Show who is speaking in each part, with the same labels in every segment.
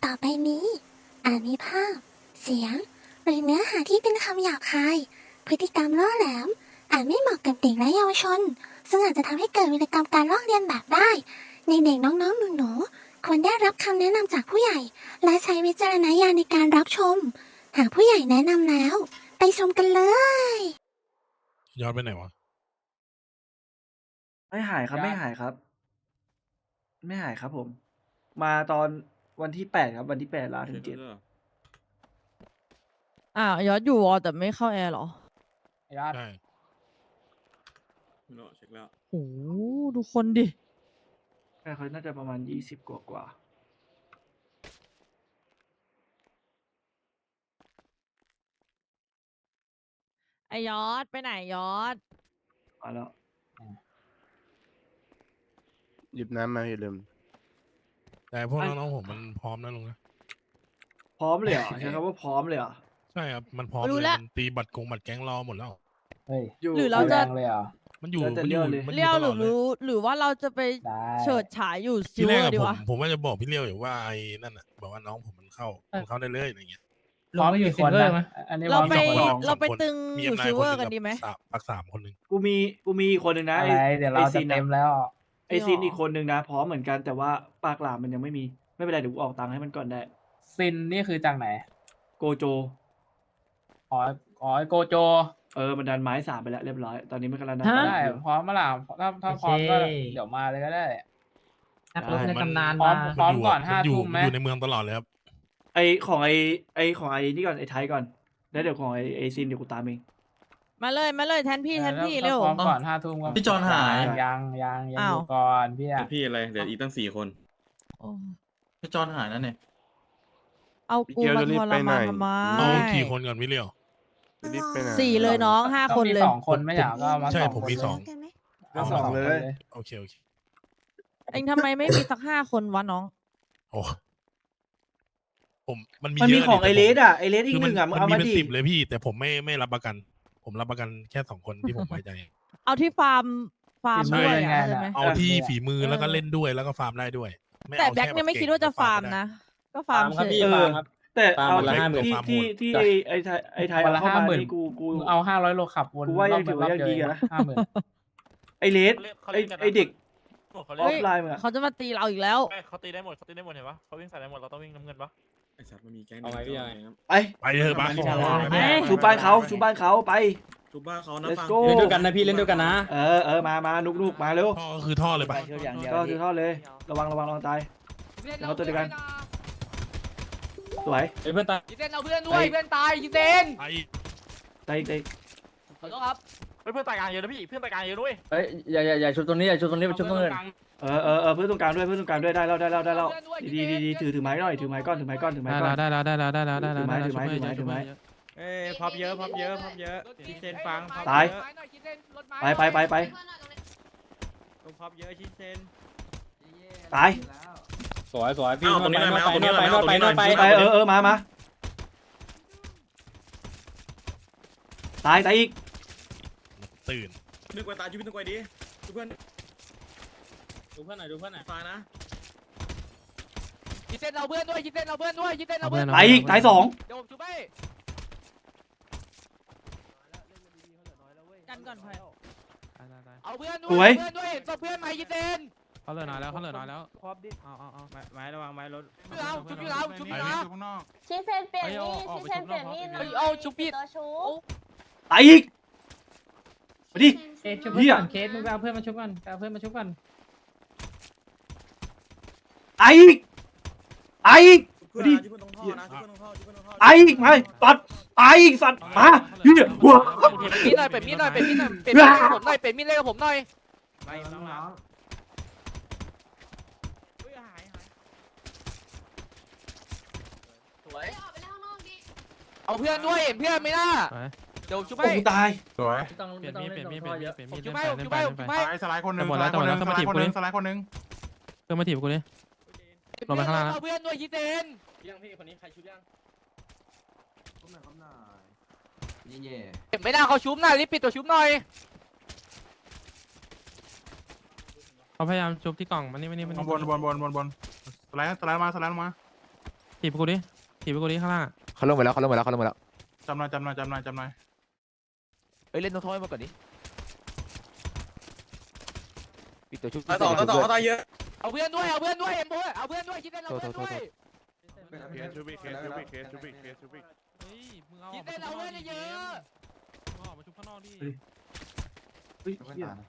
Speaker 1: ต่อไปนี้อาจมีภาพ เสียง หรือเนื้อหาที่เป็นคำหยาบคาย พฤติกรรมล่อแหลม อาจไม่เหมาะกับเด็กและเยาวชน ซึ่งอาจจะทำให้เกิดวิกรรมการลอกเลียนแบบได้ ในเด็กน้องๆหนูๆควรได้รับคำแนะนำจากผู้ใหญ่ และใช้วิจารณญาณในการรับชม หากผู้ใหญ่แนะนำแล้ว ไปชมกันเลย
Speaker 2: ย้อนไปไหนวะ
Speaker 3: ไม่หายครับไม่หายครับ ไม่หายครับผม มาตอนวันที่8ครับวันที่8ลาถึง7
Speaker 4: ยอดอยู่วอแต่ไม่เข้าแอร์เหรอ
Speaker 5: ยอด
Speaker 2: ใช่
Speaker 6: เช็คแล้ว
Speaker 4: โอ้ดูคนดิ
Speaker 3: แต่เขาน่าจะประมาณ20กว่า
Speaker 4: ไอยอดไปไหนยอด
Speaker 3: มาแล้ว
Speaker 7: หยิบน้ำมาอย่าลืม
Speaker 2: แต่พวกน้องๆผมมันพร้อมนะลุงนะ
Speaker 3: พร้อมเลยเหรอ ใช้คำว่าพร้อมเลยเหรอ
Speaker 2: ใช่ครับ มันพร้อม
Speaker 4: รู้
Speaker 2: เลย
Speaker 4: แล้ว
Speaker 2: มันตีบัตรกงบัตรแก๊งรอหมดแล้ว
Speaker 5: เฮ้ย
Speaker 3: อยู่
Speaker 4: หรือเราจะ
Speaker 5: แรงเลยเหรอ
Speaker 2: มันอยู่
Speaker 3: แล้วแต่
Speaker 2: มันอยู่
Speaker 3: เลี้ยวเลย
Speaker 2: มันอ
Speaker 4: เลี้ยว
Speaker 2: ยู่ต
Speaker 4: ห
Speaker 2: ล
Speaker 4: รือ อ
Speaker 2: ดเลย
Speaker 4: หรือว่าเราจะไป
Speaker 5: ได้
Speaker 4: เฉิดฉายอยู่ซิ
Speaker 2: ที่
Speaker 4: ล
Speaker 2: แร
Speaker 4: เว
Speaker 2: ก
Speaker 4: อ
Speaker 2: อะ
Speaker 4: ร์ดี
Speaker 2: ผม
Speaker 4: วะ
Speaker 2: ผมว่าจะบอกพี่เลี้ยวอยู่ว่าไอ้นั่นอ่ะบอกว่าน้องผมมันเข้าได้เลยอะไรเงี้ย
Speaker 5: พร้อมกี่คนนะอันนี้
Speaker 4: เรา
Speaker 5: พร้อม
Speaker 4: ไป
Speaker 5: สองคน
Speaker 2: ส
Speaker 4: เรา
Speaker 2: อง
Speaker 4: ไป
Speaker 2: คน
Speaker 4: ตึง
Speaker 2: มี
Speaker 4: อยู่
Speaker 2: M9
Speaker 4: ซิลเวอร์
Speaker 2: ค
Speaker 4: กัน
Speaker 2: ห
Speaker 4: ดีไหม
Speaker 2: ปักสามคนหนึ่ง
Speaker 3: กูมีอีกคนหนึ่งนะ
Speaker 5: อะไรเดี๋ยวเราจะ
Speaker 3: ซิน
Speaker 5: เต็
Speaker 3: อะ
Speaker 5: มแล้ว
Speaker 3: ไอซินอีกคนหนึ่งนะ พร้อมเหมือนกันแต่ว่าปากหลามมันยังไม่มี ไม่เป็นไรเดี๋ยวกูออกตังค์ให้มันก่อนได้
Speaker 5: ซินนี่คือจากไหน
Speaker 3: โกโจ
Speaker 5: อ๋อโกโจ
Speaker 3: มันดันไม้3ไปแล้วเรียบร้อย ตอนนี้มันกำลังดัน
Speaker 5: ได้
Speaker 3: ต่ออยู่
Speaker 5: พร้อมมาล่ะถ้าพร้อมก็เดี๋ยวมาเลยก็ได้
Speaker 3: นักรบในตำนาน
Speaker 5: พร้อม
Speaker 3: มา
Speaker 5: พร้อมก่อน
Speaker 2: มันอยู่
Speaker 5: 5 ทุ่มไหม
Speaker 2: มันอยู่ในเมืองตลอดเลยครับ
Speaker 3: ไอของไอของไอนี่ก่อนไอไทยก่อน แล้วเดี๋ยวของไอซินเดี๋ยวกูตามเอง
Speaker 4: มาเลยแทนพี่
Speaker 5: ถ้า
Speaker 4: เร็ว
Speaker 5: พร้อมก่อน5 ทุ่มก็
Speaker 6: พี่จอนหาย
Speaker 5: ยังอ
Speaker 4: อ้าว
Speaker 5: ยู่ก่อนพี่อะ
Speaker 6: พี่อะไรเดี๋ยวอีกตั้ง4 คน
Speaker 4: โอ้
Speaker 6: พี่จอนหายนั่นเนี่ย
Speaker 4: เอากู
Speaker 7: เดี๋ยว
Speaker 4: มา
Speaker 7: จะรี
Speaker 4: ท
Speaker 7: บ
Speaker 4: ร
Speaker 7: ไปไหน
Speaker 4: มานทำไม
Speaker 2: เอากี่คนก่อนพี่เลี้ยว
Speaker 7: รีบไปไหน
Speaker 4: 4เลยน้อง5 คนเลย
Speaker 5: ต้องมี2 คนไม่อยากก็เอามา
Speaker 2: ใช่
Speaker 5: 2
Speaker 2: ผม
Speaker 5: คน
Speaker 2: มี
Speaker 5: เลย
Speaker 2: สอง
Speaker 3: ก็สองเลย
Speaker 2: โอเค
Speaker 4: เองทำไมไม่มีสัก5 คนวะน้อง
Speaker 2: โอ้ผมมันมี
Speaker 3: มัน
Speaker 2: เย
Speaker 3: มี
Speaker 2: อะ
Speaker 3: ของไอ
Speaker 2: ดิ
Speaker 3: เล
Speaker 2: แต่
Speaker 3: สอ่ะไอเลสอี
Speaker 2: คื
Speaker 3: ก
Speaker 2: อ
Speaker 3: ห
Speaker 2: มัน
Speaker 3: นึ่งอ่ะมึง
Speaker 2: มัน
Speaker 3: เอา
Speaker 2: มี
Speaker 3: มา
Speaker 2: เป็น
Speaker 3: ดิ
Speaker 2: 10เลยพี่ แต่ผมไม่รับประกัน ผมรับประกันแค่2 คนที่ผมไว้ใจ
Speaker 4: เอาที่ฟาร์มด้วย
Speaker 5: ไง
Speaker 4: อะเข้าใจไหม
Speaker 2: เอาที่ฝีมือแล้วก็เล่นด้วยแล้วก็ฟาร์มได้ด้วย
Speaker 4: แต่
Speaker 2: เอา
Speaker 4: แบ็ค
Speaker 2: ค่
Speaker 4: เนี่ยไม่
Speaker 2: เก่ง
Speaker 4: คิดว่าจะฟาร์ม
Speaker 2: ไได้
Speaker 4: นะ ก็ฟาร์มเฉย
Speaker 3: แต่
Speaker 6: ฟาร์ม
Speaker 3: เอา
Speaker 6: วันละ
Speaker 3: ที่
Speaker 6: 50,000
Speaker 3: ที่ไอไทย
Speaker 5: วัน
Speaker 3: เอา
Speaker 5: ละ
Speaker 3: เข้ามา
Speaker 5: 50,000
Speaker 3: นี่กู
Speaker 5: มึงเอา500 โลขับวน
Speaker 3: กูว่ายังถือว่ายังดีอะนะ
Speaker 5: 50,000
Speaker 3: ไอเลสไอเด็กออฟไลน์มึงอะ
Speaker 4: เขาจะมาตีเราอีกแล้ว
Speaker 8: เขาตีได้หมดเห็นปะเขาวิ่งใส่ได้หมดเราต้องวิ่งน้ำเงินปะ
Speaker 6: ไอสัตว์มันมีแก๊ง
Speaker 8: เอาไว้พี่ยัง
Speaker 3: ไป
Speaker 2: ไปเถอะมา
Speaker 4: ไป
Speaker 3: ชูบ้านเขาชูบ้านเขาไป
Speaker 6: ชุบบ้านเขานะ
Speaker 3: let's
Speaker 6: ฟัง
Speaker 3: go
Speaker 6: เล่นด้วยกันนะพี่เล่นด้วยกันนะ
Speaker 3: มานุกมาเร็ว
Speaker 2: ท่อก็คือท่อเลยไป
Speaker 3: ก็คือทอดเลย ระวังตายเดี๋ยวเขาตัวเดียวกัน สวย
Speaker 6: เพื่อนตาย
Speaker 8: ยิเซนเอาเพื่อนด้วยเพื่อนตายยิเซน
Speaker 2: ไป
Speaker 3: ตาย
Speaker 8: ขอโทษครับเพื่อนตายกลางเยอะนะพี่เพื่อนตายกลางเยอะด้วย
Speaker 6: เฮ้ยอย่าชุบตรงนี้อย่าชุบตรงนี้ไปชุบตรงอื่น
Speaker 3: เพื่อนตรงกลางด้วยได้แล้วดีถือไม้หน่อยถือไม้ก้อน
Speaker 5: ได้แล้ว
Speaker 3: ถือไม้
Speaker 9: เอ้ยพับเยอะชิเซนฟังพับ
Speaker 3: ตาย
Speaker 9: เยอะ
Speaker 3: ไป
Speaker 9: ต้องพับเยอะชิเซน
Speaker 3: ตาย
Speaker 6: สวยพี่ตรงนี้ไปนวดไป
Speaker 3: ไปมาตายอีก
Speaker 2: ตื่น
Speaker 6: นึกไว้ตายชุบนึกไว้ดิชุบเพื่อนหน่อยตายนะ
Speaker 8: ยิเซนเอาเพื่อนด้วยยิเซนเอาเพื่อนด้วยยิเซนเอาเพื่อน
Speaker 3: ตายอีกตาย2
Speaker 8: เดี๋ยวผมช่วย
Speaker 4: กันก่อนพลอย
Speaker 8: เอาเพื่อนด้
Speaker 3: ส
Speaker 8: ว
Speaker 3: วย
Speaker 8: ยเพื่อนด้วยตัวเพื่อนไหมยิเซน
Speaker 5: เขาเหลือน้อยแล้ว
Speaker 9: พอบดิเอาไม้ระวังไม้รถ
Speaker 8: ชุบเราชุบเรา
Speaker 10: ชิเซนเปลี่ยนมีดชิเซนเปลี่ยนมีดหน่อย
Speaker 8: เอาชุบผิด
Speaker 10: ตัวชู
Speaker 3: ตายอีกมาดิ
Speaker 5: เคสชุบ
Speaker 3: เหี้ย
Speaker 5: ก่อนเคสมึงไปเอาเพื่อนมาชุบก่อน
Speaker 3: ตายอีกมาดิ
Speaker 6: ชุบเพื่อนตรงท่อนะชุบเพื่อนตรงท่อ
Speaker 3: ตายอีกมาตัดตายอีกสัตว์มาเฮียหัว
Speaker 8: มีดหน่อยเป็นมีดหน่อยเป็นมีดหน่อยเป็นมีดผมหน่อยเป็นมีดเล่นกับผมหน่อย
Speaker 9: ไม่น้องๆ
Speaker 8: สวยเอาเพื่อนด้วยเห็นเพื่อนไหมล่ะเดี๋ยวชุบ
Speaker 3: โอ้
Speaker 8: ให้
Speaker 3: ตาย
Speaker 7: สวย
Speaker 8: ผมชุบให้
Speaker 9: สไลด์คนหนึ่ง
Speaker 5: หมดแล้ว
Speaker 9: สไลด์คนหนึ่งสไลด์คนหนึ่ง
Speaker 5: เพื่อนมาถีบกูดิ ลงไปข้างล่างนะ
Speaker 8: เอาเพื่อนด้วยยิเซน
Speaker 6: ยังพี่คนนี้ใครชุบยัง
Speaker 8: เห็นไม่ได้เขาชุบหน่อยรีบปิดตัวชุบหน่อย
Speaker 5: เขาพยายามชุบที่กล่องมันนี่
Speaker 9: บนสไลด์มา
Speaker 5: ถีบไปกูดิถีบไปกูดิข้างล่าง
Speaker 8: เขาลงไปแล้วเขาลงไปแล้วเขาลงไปแล้ว
Speaker 2: จำหน่อยจำหน่อยจำหน่อยจำหน่อย
Speaker 8: เอ้ยเล่นตรงท้อยมาก่อนดิปิดตัวชุบ
Speaker 6: ต่อเขาตายเยอะ
Speaker 8: เอาเพื่อนด้วยเอาเพื่อนด้วยเอ็มโบเอาเพื่อนด้วยคิดเล่นเอาเพื่อนด้วย
Speaker 2: เคสชูบิกเคสชูบิกเคสชูบิกเคสชูบิก
Speaker 5: เฮ้ยมึงเอา
Speaker 8: คิดเล่นเอาเพื่อนเยอะ
Speaker 5: มึงออกมาชุบข้างนอกดิ
Speaker 3: เฮ้ยเหี้ย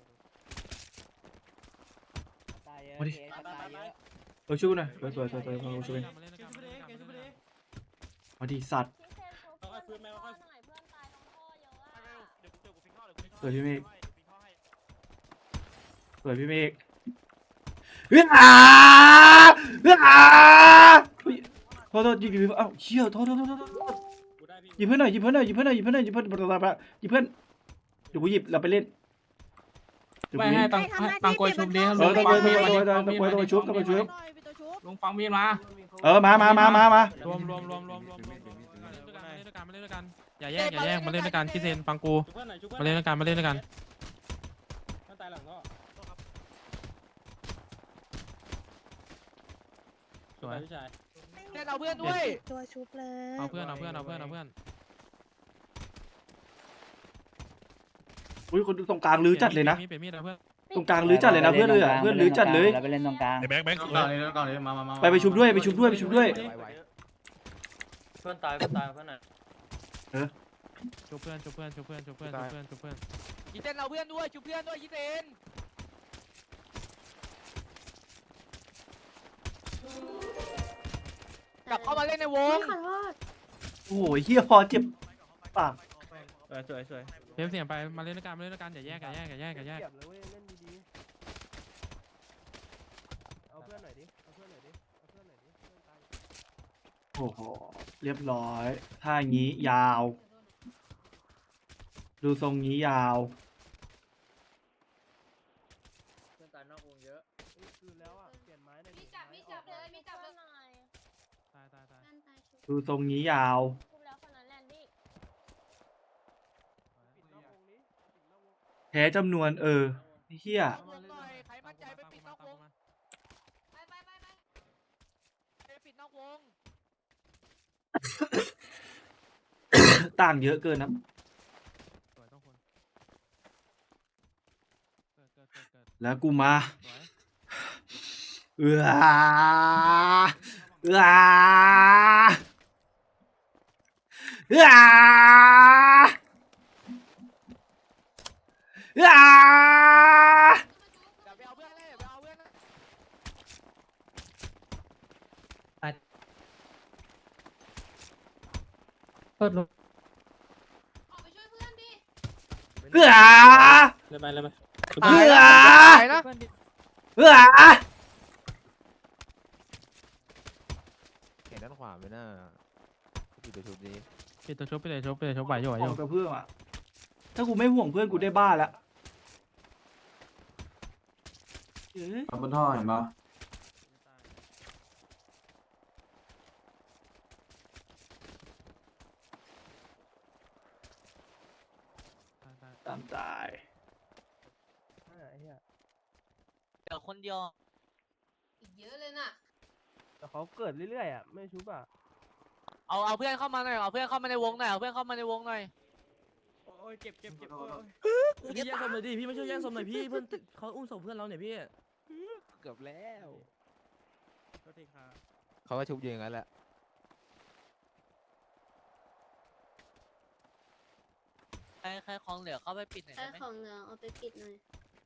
Speaker 3: มาดิช่วยหน่อยสวยสวยสวยสวยช่วยมาดิสัตว์
Speaker 10: พี่เซนเขาช่วยหน่อยเพื่อนตายตรงท่อเยอะอะ
Speaker 3: สวยพี่เมฆสวยพี่เมฆเฮ้ยอ่าเฮ้ยอ่าโทษยิงเอ้าเชี่ยโทษหยิบเพื่อนหน่อยหยิบเพื่อนหน่อยหยิบเพื่อนหน่อยหยิบเพื่อนหน่อยหยิบเพื่อนหยิบเพื่อนเดี๋ยวกูหยิบเราไปเล่น
Speaker 9: ไม่ให้ตังโกยชุบดิ
Speaker 3: ต้องไปชุบ
Speaker 9: ลุงฟังมีดมา
Speaker 3: มาร
Speaker 5: วมมาเล่นด้วยกันมาเล่นด้วยกันอย่าแยกมาเล่นด้วยกันคิดเซนฟังกู
Speaker 6: ชุบเพื่อนหน่อยชุบเพื่อน
Speaker 5: มาเล่นด้วยกันมาเล่นด้วยกัน
Speaker 6: เพื่อนตายหลังก็
Speaker 5: สวย
Speaker 6: พี่ชาย
Speaker 8: เล่นเอาเพื่อนด้วย
Speaker 10: ตัวชุบเลย
Speaker 5: เอาเพื่อน
Speaker 3: อุ้ยคนตรงกลางลื้อจัดเลยนะ
Speaker 5: เปลี่ยนมีดเอาเพื่อน
Speaker 3: ตรงกลางลื้อจัดเลยนะเพื่อนเลยอ่ะเพื่อนลื้อจัดเลย
Speaker 11: เราไปเล่นตรงกลาง
Speaker 2: ไอ้แบงค์
Speaker 9: ก่อนเลยมา
Speaker 3: ไปชุบด้วยไปชุบด้วย
Speaker 6: เพื่อนตายเพื่อนไหน
Speaker 5: ชุบเพื่อน
Speaker 8: คิดเล่นเอาเพื่อนด้วยชุบเพื่อนด้วยคิดเล่นกลับเข้ามาเล่นในวง
Speaker 10: ขอโทษ
Speaker 3: โอ้ยเฮียพอเจ็บปาก
Speaker 6: สวย
Speaker 5: เทปเสียงไปมาเล่นด้วยกันอย่าแยก
Speaker 3: โอ้โหเรียบร้อยถ้างี้ยาว ดูทรงงี้ยาว
Speaker 6: เพื่อนตายนอกวงเยอะ
Speaker 10: มีจับเลยมีจับเลยหน่อย
Speaker 5: ตาย
Speaker 3: ดูทรงงี้ยาว
Speaker 10: ชุบแล้วคนนั้นแลนดี้
Speaker 3: แพ้จำนวนเฮีย
Speaker 8: ใครมั่นใจไปปิดนอกวงไปปิดนอกวง
Speaker 3: ต่างเยอะเกินนะ
Speaker 5: สวยต้องคนเกิด
Speaker 3: แล้วกูมา
Speaker 5: สวย
Speaker 3: เอือ
Speaker 8: อย่าไปเอาเพื่อนเลยอย่าไปเอาเพื่อนนะ
Speaker 5: เปิดลง
Speaker 10: ออกไปช่วยเพื่อนดิ
Speaker 3: เอือ
Speaker 6: เลยไป
Speaker 8: ตายนะตายนะ
Speaker 3: เอือ
Speaker 8: เห็นด้านขวาไหมน่ะปิดตัวชุบนี้
Speaker 5: ปิดตัวชุบไปเลยชุบไหวอยู่
Speaker 3: ห่วงกับเพื่อนอ่ะถ้ากูไม่ห่วงเพื่อนกูได้บ้าแล้ว
Speaker 9: บนท่อเห็นปะ
Speaker 3: ตามตาย
Speaker 8: เดี๋ยวคนเดียว
Speaker 10: อีกเยอะเลยน่ะ
Speaker 9: แต่เขาเกิดเรื่อยๆอ่ะไม่ชุบอ่ะ
Speaker 8: เอาเพื่อนเข้ามาหน่อยเอาเพื่อนเข้ามาในวงหน่อยเอาเพื่อนเข้ามาในวงหน่อย
Speaker 9: โอ้ยเจ็บ
Speaker 6: พี่แย่งศพหน่อยดิพี่ไม่ช่วยแย่งศพหน่อยพี่เพื่อนเขาอุ้มศพเพื่อนเราเนี่ยพี่
Speaker 8: เกือบแล้ว
Speaker 9: โทษทีครับ
Speaker 8: เขาก็ชุบอยู่อย่างนั้นแหละใครของเหลือเข้าไปปิดหน่อย
Speaker 10: ใช้
Speaker 8: ได้ไหม
Speaker 10: ของเหลืองเอาไปปิดหน่อย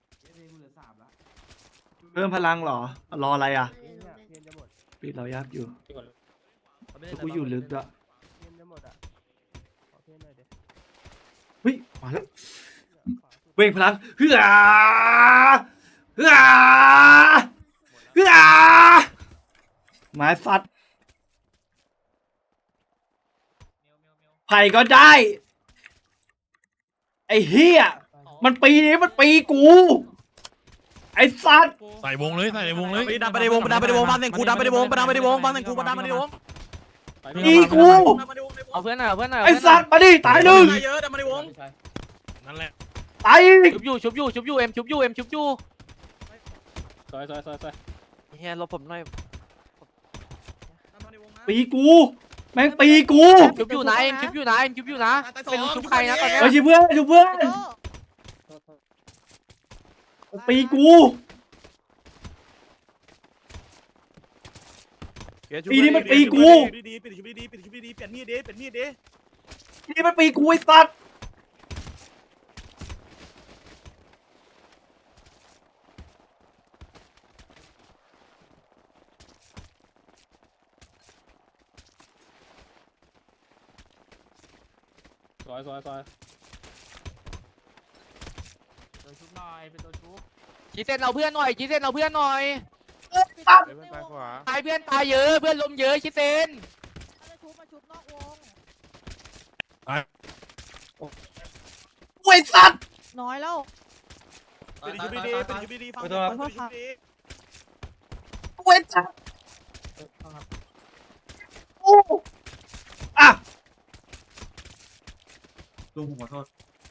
Speaker 3: เพิ่มพลังเหรอรออะไรอ่ะ
Speaker 10: ไม่ได้หนูเป็น
Speaker 9: เพียนจะหมด
Speaker 3: ปิดเรายับอยู่
Speaker 6: เ
Speaker 3: กูอยู่ลึกอะ
Speaker 9: เพียนจะหมดอ่ะขอเพียนหน่อยเดี๋ยว
Speaker 3: เฮ้ยมาแล้วเวงพลังเฮือไม้ฟัดไผ่ก็ได้ไอ้เฮียมันปีนี้มันปีกูไอ้สัตว์
Speaker 2: ใส่วงเลยใส่ในวงเลย
Speaker 6: ดันไปในวงดันไปในวงบ้านเต็งกูดันไปในวงดันไปในวงบ้านเต็งกูดันไปในวง
Speaker 3: อีกู
Speaker 8: เอาเพื่อนหน่อยเอาเพื่อนหน่อย
Speaker 3: ไอ้สัตว์มาดิตายหนึ่ง
Speaker 6: เยอะดันไปในวง
Speaker 2: นั่นแหละ
Speaker 3: ตายอีก
Speaker 8: ชุบอยู่เอ็มชุบอยู่
Speaker 6: ซอย
Speaker 8: เฮียรบผมหน่อย
Speaker 6: ดันมาในวงนะ
Speaker 3: ปีกูแม่งปีกู
Speaker 8: ชุบอยู่นะเอ็มชุบอยู่นะเอ็มชุบอยู่นะไม่รู้ชุบใครนะตอนเนี้ย
Speaker 3: เฮ้ยชิบเพื่อนชิบเพื่อนปีกู ปีนี้มันปีกู
Speaker 2: ดีๆปิดชุบดีๆปิดชุบดีๆเปลี่ยนมีดดิเปลี่ยนมีดดิ
Speaker 3: ปีนี้มันปีกูไอ้สัตว์
Speaker 6: ซอยซอยซอย
Speaker 5: ตัวชุบหน่อยเป็นตัวชุบ
Speaker 8: จีเซนเอาเพื่อนหน่อยจีเซนเอาเพื่อนหน่อย
Speaker 7: เพื่อนซ้ายขวา
Speaker 8: ตายเพื่อนตายเยอะเพื่อนล้มเยอะจีเซน
Speaker 4: มาชุบนอกวง
Speaker 3: ไอ้สัตว์
Speaker 4: น้อยแล้ว
Speaker 2: ปิดชุบดีๆปิดชุบดีๆฟังปิดชุบดี
Speaker 3: ไอ้สัตว์โอ้อ่ะ
Speaker 6: ลุงผมขอโทษ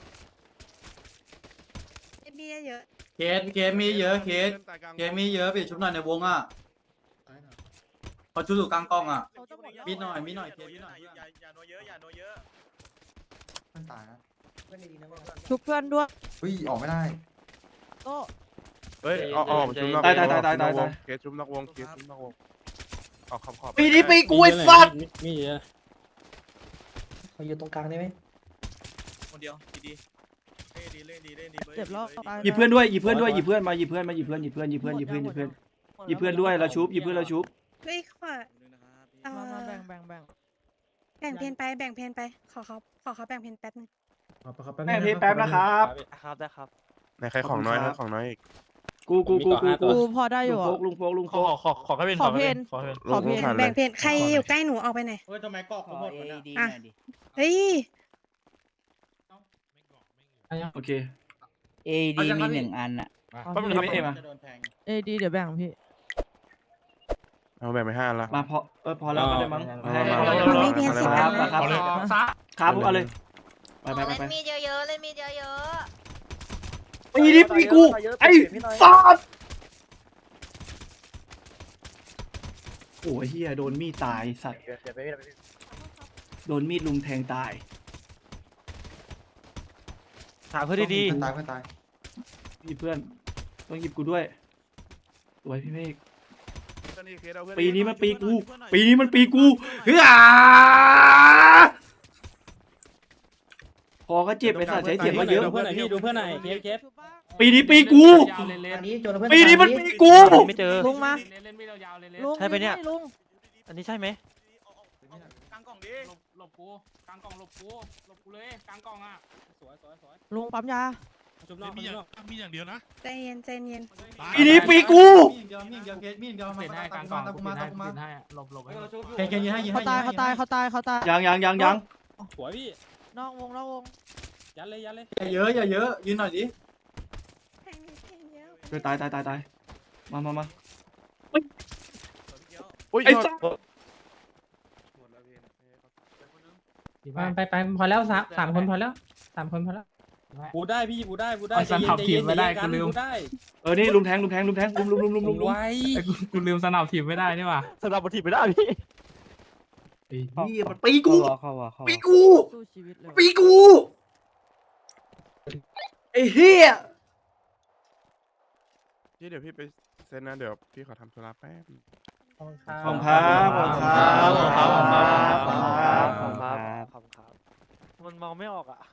Speaker 10: มีเยอะ
Speaker 6: เคสมีเยอะเคสมีเยอะปิดชุบหน่อยในวงอ่ะพอชุบอยู่กลางกล้องอ่ะ
Speaker 4: เขาจะหมดแล้ว
Speaker 6: มีหน่อยมีหน่อยเคสมีหน่อย
Speaker 2: อย่าโนเยอะอย่าโนเยอะ
Speaker 6: มันตายนะ
Speaker 4: ชุบเพื่อนด้วย
Speaker 6: อุ้ยออกไม่ได้
Speaker 4: โต้
Speaker 7: เฮ้ยออกชุบนอกวงเคสชุบนอกวงเคสชุบนอกวงออกขอบ
Speaker 3: ปีนี้ปีกูไอ้สัตว์
Speaker 6: มีเยอะ
Speaker 9: เขาอยู่ตรงกลางได้ไหม
Speaker 2: คนเดียวดีๆเล่นดี
Speaker 4: เจ็บแล้วตาย
Speaker 3: หยิบเพื่อนด้วยหยิบเพื่อนด้วยหยิบเพื่อนมาหยิบเพื่อนมาหยิบเพื่อนหยิบเพื่อนหยิบเพื่อนหยิบเพื่อนหยิบเพื่อนหยิบเพื่อนด้วยเราชุบหยิบเพื่อนเราชุบ
Speaker 10: เฮ้ยขวา
Speaker 4: มาแบ่งแบ่ง
Speaker 10: แบ่งเพนไปแบ่งเพนไปขอเขาแบ่งเพนแป๊บนึง
Speaker 3: แม่เพย์แป๊บนะครับ
Speaker 8: ครับได้ครับ
Speaker 7: ในใครของน้อยนะของน้อยอีก
Speaker 3: กู
Speaker 4: กูพอได้อยู่
Speaker 3: ลุงโฟก
Speaker 5: ขอแค่เป็น
Speaker 4: ขอเพน
Speaker 5: ขอเพน
Speaker 4: ขอเพน
Speaker 10: แบ่งเพนใครอยู่ใกล้หนูเอาไปหน่อย
Speaker 6: เฮ้ยทำไมกรอกเขาหมดวะเนี่ย
Speaker 10: อ่ะเฮ้ย
Speaker 3: โอเค
Speaker 9: AD มี1 อันอ่ะ
Speaker 5: ก็มันไม่เอ็ม
Speaker 6: จะโดนแทง
Speaker 4: เอดีเดี๋ยวแบ่งพี่
Speaker 7: เอาแบ่งไป5ละ
Speaker 3: มาพอแล้วก็ได้มั้ง
Speaker 10: มันไม่เพียนสิบ
Speaker 3: ค
Speaker 10: อั
Speaker 3: รับ
Speaker 10: น
Speaker 3: ครับครับเอาเลยไป
Speaker 10: เล่นมีดเยอะๆเล่นมีดเยอะ
Speaker 3: ปีนี้ปีกูไอ้สัตว์โอ้ยเฮียโดนมีดตายสัตว์โดนมีดลุมแทงตาย
Speaker 8: หาเพื่อนดี
Speaker 6: ตายเพื่อนตาย
Speaker 3: หยิบเพื่อนต้องหยิบกูด้วยสวยพี่เมฆปีนี้มันปีกูปีนี้มันปีกูเฮ้ยพอก็เจ็บไอ้สัตว์ใช้เสียงมาเยอะ
Speaker 6: ดูเพื่อนหน่อยพี่ดูเพื่อนหน่อยเคส
Speaker 3: ปีนี้ปีกู
Speaker 9: อันนี้โจนเพื่อน
Speaker 3: ปีนี้มันปีกู
Speaker 8: ไม่เจอ
Speaker 4: ลุงมา
Speaker 5: เล่นไม่ยาวๆเลย
Speaker 4: ลุง
Speaker 8: ใช่ปะเนี่ย
Speaker 4: ลุง
Speaker 8: อันนี้ใช่ไหม
Speaker 2: กลางกล่องดิ
Speaker 5: หลบกูกลางกล่องหลบกูเลยกลางกล่องอ่ะ
Speaker 6: สวย
Speaker 4: ลุงปั๊มยา
Speaker 6: ชุบนอก
Speaker 2: มีอย่างเดียวนะ
Speaker 10: ๆใจเย็นใจเย็น
Speaker 3: ปีนี้ปีกู
Speaker 6: มีเดียวเคสมีเดียว
Speaker 5: เปลี่ยนให้กลางกล่องเปลี่ยนให้หลบให้
Speaker 6: เคสยิงให้ยิงให้
Speaker 4: เขาตาย
Speaker 3: ยัง
Speaker 6: สวยพี่
Speaker 4: นอกวง
Speaker 6: ยัดเลยอย่าเยอะยืนหน่อยดิ
Speaker 10: แทงเยอะ
Speaker 3: เฮ้ยตายมา
Speaker 7: อุ้ย
Speaker 3: ไอ้สัตว์
Speaker 9: ไปพอแล้วสามคนพอแล้ว3 คนพอแล้ว
Speaker 6: บูได้พี่บูได้
Speaker 5: กูได้
Speaker 3: นี่ลุมแทงลุม
Speaker 6: ไว้
Speaker 5: กูลืมสนับทีมไม่ได้นี่หว่า
Speaker 8: สำหรับบทีไม่ได้พี่
Speaker 3: นี่มันปีกู
Speaker 9: เข้าวะ
Speaker 3: ปีกู
Speaker 4: สู้ชีวิตเลย
Speaker 3: ปีกูไอ้เฮีย
Speaker 7: เดี๋ยวพี่ไปเซ็นนะเดี๋ยวพี่ขอทำธุระแป๊บ
Speaker 3: ขอบคุณครับ
Speaker 8: มันมองไม่ออกอ่ะ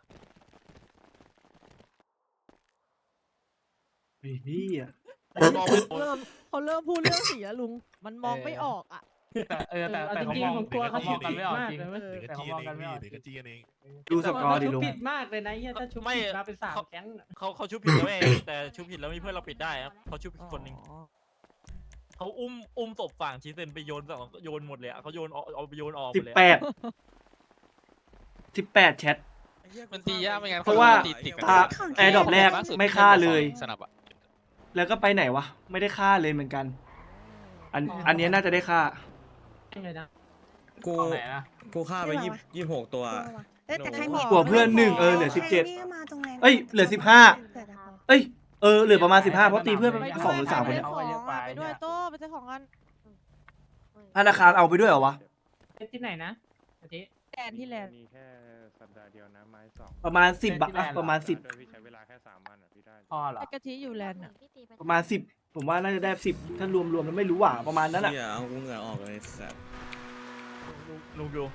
Speaker 3: ไอ้เฮีย
Speaker 4: เขาเริ่มพูดเรื่องสีแล้วลุง มันมองไม่ออกอ่ะ
Speaker 5: แต่เขามองกันไม่ออกจริง
Speaker 2: เด็กกระจีกันเองเด็กกระจีกันเอง
Speaker 3: ดูสกอร์ดิลุง
Speaker 9: ผิดมากเลยนะถ้าชุบผิดมาเป็น3 แก๊ง
Speaker 8: เขาชุบผิดแล้วเองแต่ชุบผิดแล้วมีเพื่อนเราปิดได้ครับเขาชุบผิดคนหนึ่งเขาอุ้มศพฝั่งชีเซนไปโยนหมดเลยอ่ะเขาโยนเอาไปโยนออกหมดเลย
Speaker 3: 18แชท
Speaker 8: มันตียากไม่งั้น
Speaker 3: เพราะว่า
Speaker 10: ตา
Speaker 3: แอร์ดรอปแรกไม่ฆ่าเลย แล้วก็ไปไหนวะไม่ได้ฆ่าเลยเหมือนกัน อันนี้น่าจะได้ฆ่า
Speaker 5: กูไหนนะ
Speaker 10: กูฆ่าไป26 ตัวแต่ใครมี
Speaker 3: กลัวเพื่อน1เหลือ17
Speaker 10: 17
Speaker 3: เอ้ยเหลือ15เอ้ยเหลือประมาณ15เพราะตีเพื่อนไป2 หรือ 3 คนเนี่ย
Speaker 4: ไปด้วยโต้ไปซื้อของกัน
Speaker 3: ธนาคารเอาไปด้วยเหรอวะ
Speaker 9: ที่ไหนนะอาทิ
Speaker 4: แลนด์ที่แลนด์
Speaker 7: มีแค่สัปดาห์เดียวนะไม้สอง
Speaker 3: ประมาณ10บาทอะประมาณ10
Speaker 7: โดยพี่ใช้เวลาแค่3 วันอ่ะพี่ได้
Speaker 9: พอเหรอ
Speaker 4: ไอ้กะทิอยู่แลนด์อ่ะ
Speaker 3: ประมาณ10ผมว่าน่าจะได้10ถ้ารวมแล้วไม่รู้ว่าประมาณนั้นอะ
Speaker 11: เอากูเหงื่อออกเลยสัตว์
Speaker 8: ลุงดู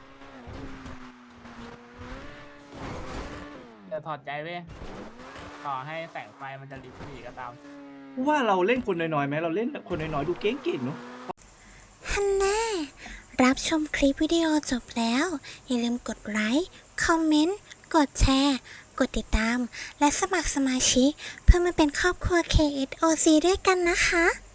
Speaker 9: แต่ถอดใจเว้ยต่อให้แสงไฟมันจะริบหรี่ก็ตาม
Speaker 3: ว่าเราเล่นคนน้อยๆไหมเราเล่นคนน้อยๆดูเก่งๆเนาะ
Speaker 1: ฮันแน่รับชมคลิปวิดีโอจบแล้ว อย่าลืมกดไลค์ คอมเมนต์ กดแชร์ กดติดตาม และสมัครสมาชิกเพื่อมาเป็นครอบครัว KSOC ด้วยกันนะคะ